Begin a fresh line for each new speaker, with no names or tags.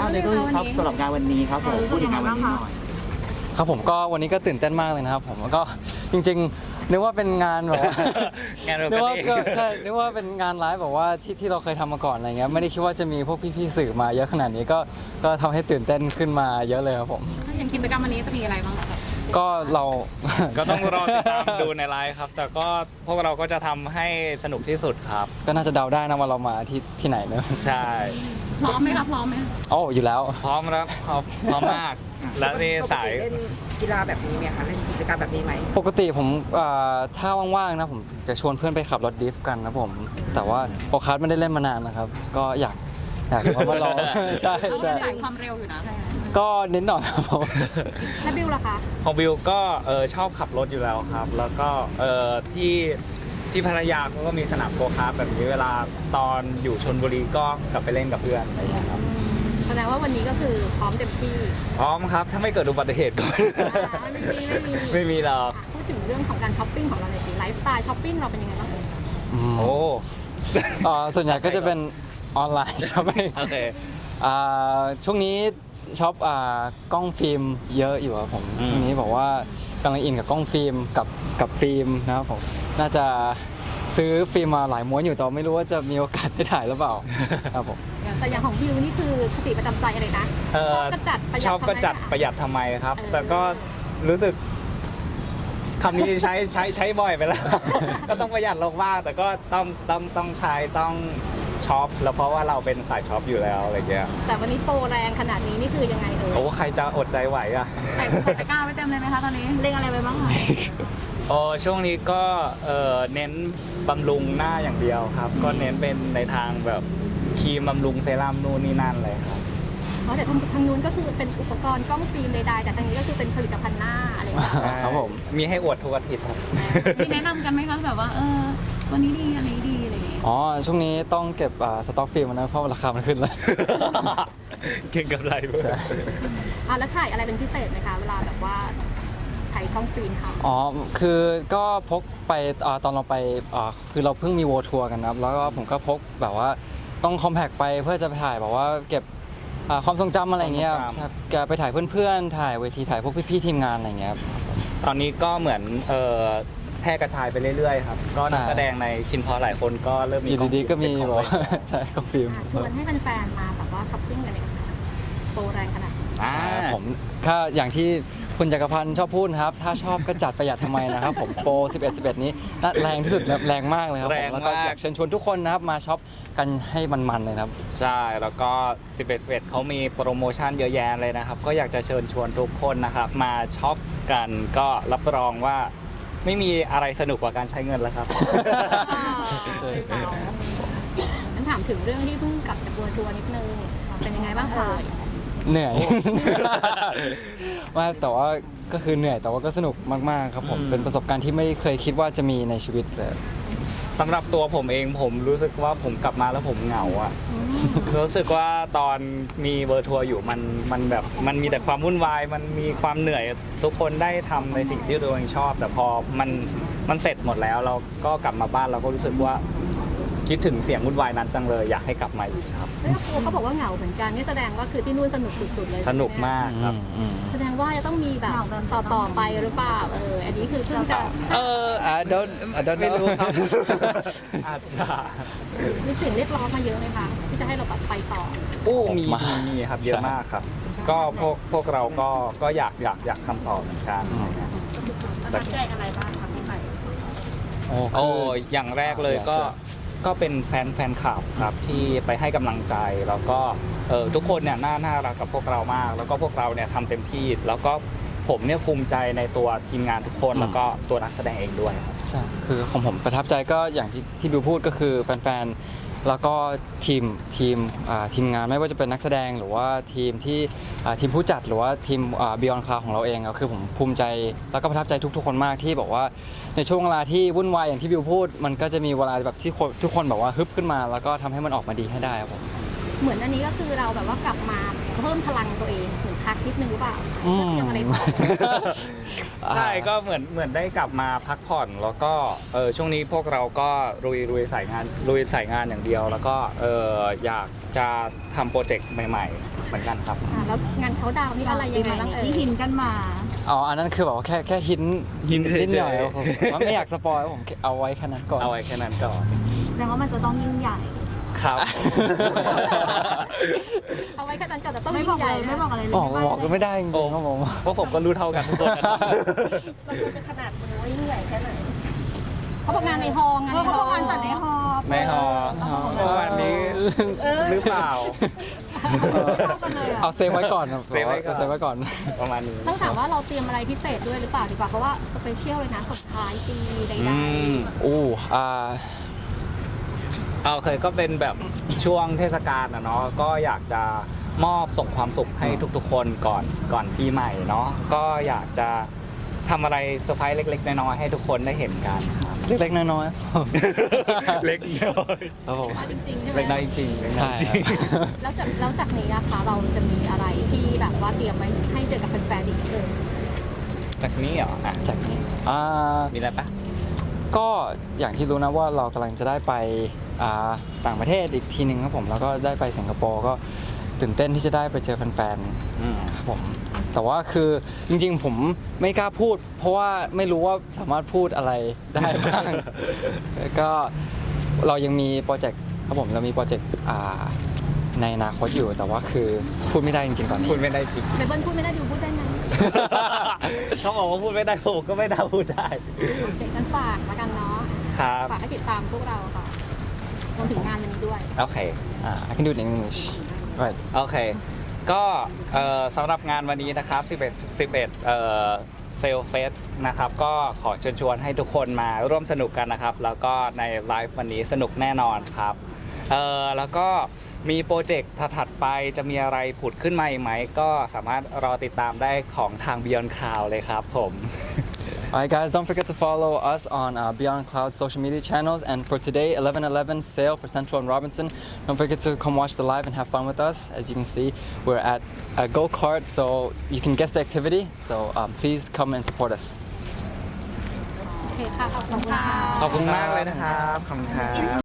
เลเวลครับสำหรับงานวันนี้ครับผมพูดถึงงานวันนี้หน่อย
ครับผมก็วันนี้ก็ตื่นเต้นมากเลยนะครับผมแล้วก็จริงๆนึกว่าเป็นงานแบบว่า
งานเรา
นึกว่า
เอง
ก็ใช่นึกว่าเป็นงานไลฟ์แบบว่าที่เราเคยทำมาก่อนอะไรเงี้ยไม่ได้คิดว่าจะมีพวกพี่ๆสื่อมาเยอะขนาดนี้ก็ทำให้ตื่นเต้นขึ้นมาเยอะเลยครับผม
อย่างกิจกรรมวันนี้จะมีอะไรบ้างคะ
ก็เรา
ก็ต้องรอติดตามดูในไลฟ์ครับ แต่ก็พวกเราก็จะทำให้สนุกที่สุดครับ
ก็น่าจะเดาได้นะว่าเรามาที่ไหนเนอะ
ใช่
พร้อมไหมครับพร้อมไหม
โอ้อยู่แล้ว
พร้อมแล้วพร้อมมาก และนี่สาย
เล่นกีฬาแบบนี้ไหมคะเล่นกิจกรรมแบบนี้ไหม
ปกติผมถ้าว่างๆนะผมจะชวนเพื่อนไปขับรถดริฟต์กันนะผม แต่ว่าโอคัสไม่ได้เล่นมานานนะครับ ก็อยากมาลอง ใช่
เรา
ใช่
เล่นสายความเร็วอยู่นะ
ก็นิดหน่อยครับผม
แล้วบิวล่ะคะ
ของบิวก็ชอบขับรถอยู่แล้วครับ แล้วก็ที่พัทยาเขาก็มีสนามโกคาร์ทแบบนี้เวลาตอนอยู่ชลบุรีก็กลับไปเล่นกับเพื่อนอะไรอย่างเงี้ยครับ
แสดงว่าวันนี้ก็คือพร้อมเต็มที่
พร้อมครับถ้าไม่เกิดอุบัติเหตุก่อน ไม่มีหรอก
พูดถึงเรื่องของการช้อปปิ้งของเราในอยสิไลฟ์สไตล์ช้อปปิ้งเราเป็นยังไงบ้าง
อืม
โอ้
ส่วนใหญ่ก็จะเป็นออนไลน์ใช่ไหม
โอเค
ช่วงนี้ช็อปกล้องฟิล์มเยอะอยู่ครับผม
อืม
ช่วงนี้บอกว่ากำลังอินกับกล้องฟิล์มกับฟิล์มนะครับผมน่าจะซื้อฟิล์มมาหลายม้วนอยู่แต่ไม่รู้ว่าจะมีโอกาสได้ถ่ายหรือเปล่าครับผม
แต่อย่างของบิวนี่คือคติประจำใจอะไรนะชอบก็จัดประหยัด
ชอบก็จัดประหยัดทำไมครับ
เออ
แต่ก็รู้สึกคำนี้ใช้บ่อยไปแล้ว ก็ต้องประหยัดลงบ้างแต่ก็ต้องใช้ต้องช็อปแล้วเพราะว่าเราเป็นสายช็อปอยู่แล้วอะไรเงี้ย
แต่วันนี้โปรแรงขนาดนี้นี่คือยังไงเอ่ย
โอ้ใครจะอดใจไหวอ่ะ
ใส่ตะกร้าไว้เต็มเลยไหมคะตอนนี้เล็งอะไรไปบ้างคะ
โอ้ช่วงนี้ก็เน้นบำรุงหน้าอย่างเดียวครับ ก็เน้นเป็นในทางแบบครีมบำรุงเซรั่มนู่นนี่นั่นเลยครับ
เพราะแต่ทางนู้นก็คือเป็นอุปกรณ์กล้องฟิล์มใดๆแต่ทางนี้ก็คือเป็นผลิตภัณฑ์หน้าอะไรอย่างเงี้ย
ครับผม
มีให้อวดทุกอาทิตย์ครับ
มีแนะนำกันไหมคะแบบว่าตัวนี้ดีอันนี้ดีอะไรอย่างเงี้ย
อ๋อช่วงนี้ต้องเก็บสต็อกฟิล์มนะเพราะราคามันขึ้นแล้ว
เก่งกับไรเพื่อน
แล้วถ่ายอะไรเป็นพิเศษไหมคะเวลาแบบว่าใช้กล้องฟิล์มค่ะ
อ๋อ คือก็พกไปตอนเราไปคือเราเพิ่งมีโวทัวร์กันนะครับ แล้วก็ผมก็พกแบบว่าต้องคอมแพกไปเพื่อจะไปถ่ายแบบว่าเก็บความทรงจำอะไรเงี้ยครับใช่แกไปถ่ายเพื่อนๆ ถ่ายเวทีถ่ายพวกพี่ๆทีมงานอะไรเงี้ยครับ
ตอนนี้ก็เหมือนแพร่กระจายไปเรื่อยๆครับ ก็นัก
ใช่
แสดงในคินพอหลายคนก็เริ่มมี
อยู่ดีๆก็มี
เป็น
แบ
ข
บ
อง
ว่า ใช่ก็ฟิล์ม
ชวนให้แฟนๆมาแบบว่าช้อปปิ้งกันเลยค่ะโปรแรงขนาดนี้
ใช่ผมถ้าอย่างที่คุณจักรพันธ์ชอบพูดนะครับ ถ้าชอบก็จัดประหยัดทำไมนะครับผมโปร 11 นี้น่าแรงที่สุดแล้วแรงมากเลยครับผมแล้วก็อยากเชิญชวนทุกคนนะครับมาช็อปกันให้มันๆเลยนะครับ
ใช่ แล้วก็11เขามีโปรโมชั่นเยอะแยะเลยนะครับ ก็อยากจะเชิญชวนทุกคนนะครับ มาช็อปกันก็รับรองว่าไม่มีอะไรสนุกกว่าการใช้เงินแล้วครับ
งั้นถามถึงเรื่องที่เพิ่งกลับจากทัวร์นิดนึงเป็นยังไงบ้างคะ
เหนื่อย ว่าแต่ว่าก็คือเหนื่อยแต่ว่าก็สนุกมากๆครับผม
อืม
เป็นประสบการณ์ที่ไม่เคยคิดว่าจะมีในชีวิตเลย
สำหรับตัวผมเองผมรู้สึกว่าผมกลับมาแล้วผมเหงาอะรู้สึกว่าตอนมีเวอร์ทัวร์อยู่มันแบบมันมีแต่ความวุ่นวายมันมีความเหนื่อยทุกคนได้ทำในสิ่งที่ตัวเองชอบ แต่พอมันเสร็จหมดแล้วเราก็กลับมาบ้านเราก็รู้สึกว่าคิดถึงเสียงวุ่นวายนั้นจังเลยอยากให้กลับมาอีกครับ
แล้วครูเขาบอกว่าเหงาเหมือนกันนี่แสดงว่าคือที่นู่นสนุกสุดๆเลย
สนุกมากครับ
แสดงว่าจะต้องมีแบบต่อไปหรือเปล่าอันนี้คือเพิ่งจะ
I don't
ไม่รู้
know
ครับ อาจจะ
มีเสียงเรียกร้องมาเยอะไหมคะที่จะให้เราแบบไปต่อ
มีครับเยอะมากครับ ก็พวกเราก็อยากทำต่อเหมือนกัน
ประทับใจอะไรบ้างคะที่ไป
โอ้อย่างแรกเลยก็เป็นแฟนคลับครับที่ไปให้กำลังใจแล้วก็ทุกคนเนี่ยน่ารักกับพวกเรามาก แล้วก็พวกเราเนี่ยทำเต็มที่ แล้วก็ผมเนี่ยภูมิใจในตัวทีมงานทุกคนแล้วก็ตัวนักแสดงเองด้วยครับ
ใช่คือของผมประทับใจก็อย่างที่บิวพูดก็คือแฟนๆ แล้วก็ทีมงานไม่ว่าจะเป็นนักแสดงหรือว่าทีมผู้จัดหรือว่าทีมBeyond Cloud ของเราเองก็คือผมภูมิใจแล้วก็ประทับใจทุกๆคนมากที่บอกว่าในช่วงเวลาที่วุ่นวายอย่างที่บิวพูด มันก็จะมีเวลาแบบที่ทุกคนแบบว่าฮึบขึ้นมา แล้วก็ทำให้มันออกมาดีให้ได้ครับผม
เหมือนอันนี้ก็คือเราแบบว่ากลับมาเพิ่มพลังตัวเองถึงพักนิดนึงหรือเปล่า
อืม
เตรียมอะไรต่อ
ใช่ก็เหมือนได้กลับมาพักผ่อนแล้วก็ช่วงนี้พวกเราก็ลุยสายงานอย่างเดียว แล้วก็อยากจะทำโปรเจกต์ใหม่ๆเหมือนกันครับ
แล้วงานเขาดาวน์นี่อะไรยังไงบ้าง
ที่หินกันมา
อ๋ออันนั้นคือแบบว่าแค่หิน
หินเฉยๆ
นิดหน่อยครับผมว่าไม่อยากสปอยผมเอาไว้แค่นั้นก่อน
เอาไว้แค่นั้นก่อน
แสดงว่ามันจะต้องยิ่งใหญ่
ครับ
เอาไว้แค่นั้นก่อนแต่ต้อง
ไม่
ยิ่
บอก
งให
เล
ญ่
ยไม่
นะ
บอกอะไรเลย
บอกก็ไม่ได้จริงๆครับผม
เพราะผมก็รู้เท่ากันทุกคนนะครับ
มันควรจะขนาดมือว่ายิ่งใหญ่แค่ไหนเขาบอกงานในฮอลล์
เพราะเขางานจัดในฮอลล์
ในฮอประมาณนี้หรือเปล่า
เอาเซฟไว้ก่อนครับ
เซฟไว้ก่อน
เซฟไว้ก่อน
ประมาณนี้
ต้องถามว่าเราเตรียมอะไรพิเศษด้วยหรือเปล่าดีกว่าเพราะว่าสเปเชียลเลยนะสุดท้ายปีใด
อู้
เคยก็เป็นแบบช่วงเทศกาลนะเนาะก็อยากจะมอบส่งความสุขให้ทุกๆคนก่อนปีใหม่เนาะก็อยากจะทำอะไรเซอร์ไพรส์เล็กๆน้อยๆให้ทุกคนได้เห็นกันครับ
เล็กๆน้อยๆ
เล็กน้อย
ครับผม
ๆจริงๆใช่ไหม
เล็กน้อยจริงๆเล็กน้อ
ใช่
ยจริง
แล้วจากนี้นะคะเราจะมีอะไรที่แบบว่าเตรียมไว้ให้เจอกับแฟนๆอีกเออ
จากนี้เหรออ่ะ
จากนี้
มีอะไรปะ
ก็อย่างที่รู้นะว่าเรากำลังจะได้ไปต่างประเทศอีกทีหนึ่งครับผมแล้วก็ได้ไปสิงคโปร์ก็ตื่นเต้นที่จะได้ไปเจอแฟนๆครับผมแต่ว่าคือจริงๆผมไม่กล้าพูด เพราะว่าไม่รู้ว่าสามารถพูดอะไรได้บ้าง ก็เรายังมีโปรเจกต์ครับผมเรามีโปรเจกต์ในอนาคตอยู่แต่ว่าคือพูดไม่ได้จริงๆตอนนี้
พูดไม่ได้จริง
เบเบิลพูดไม่ได้ดิวพูดได้ไง
เขาบอกว่าพูดไม่ได้ผมก็ไม่ได้พูดได้
เด็กกันฝากมากันเนาะ
ครับ
ฝากให้ติดตามพวกเราค่ะรวมถึงงานวันนี้ด้วย
โอเค
I can do it in English right
โอเค ก็สำหรับงานวันนี้นะครับ11เซลเฟสนะครับก็ขอเชิญชวนให้ทุกคนมาร่วมสนุกกันนะครับ แล้วก็ในไลฟ์วันนี้สนุกแน่นอนครับแล้วก็มีโปรเจกต์ถัดๆไปจะมีอะไรผุดขึ้นมาอีกไหม ก็สามารถรอติดตามได้ของทาง Beyond Cloud เลยครับผม
Alright guys, don't forget to follow us on Beyond Cloud social media channels. And for today, 11/11 sale for Central and Robinson. Don't forget to come watch the live and have fun with us. As you can see, we're at a go-kart, so you can guess the activity. So please come and support us.
โอเคค่ะ ขอบคุณค่ะ
ขอบคุณมากเลยนะครับ ขอบคุณครับ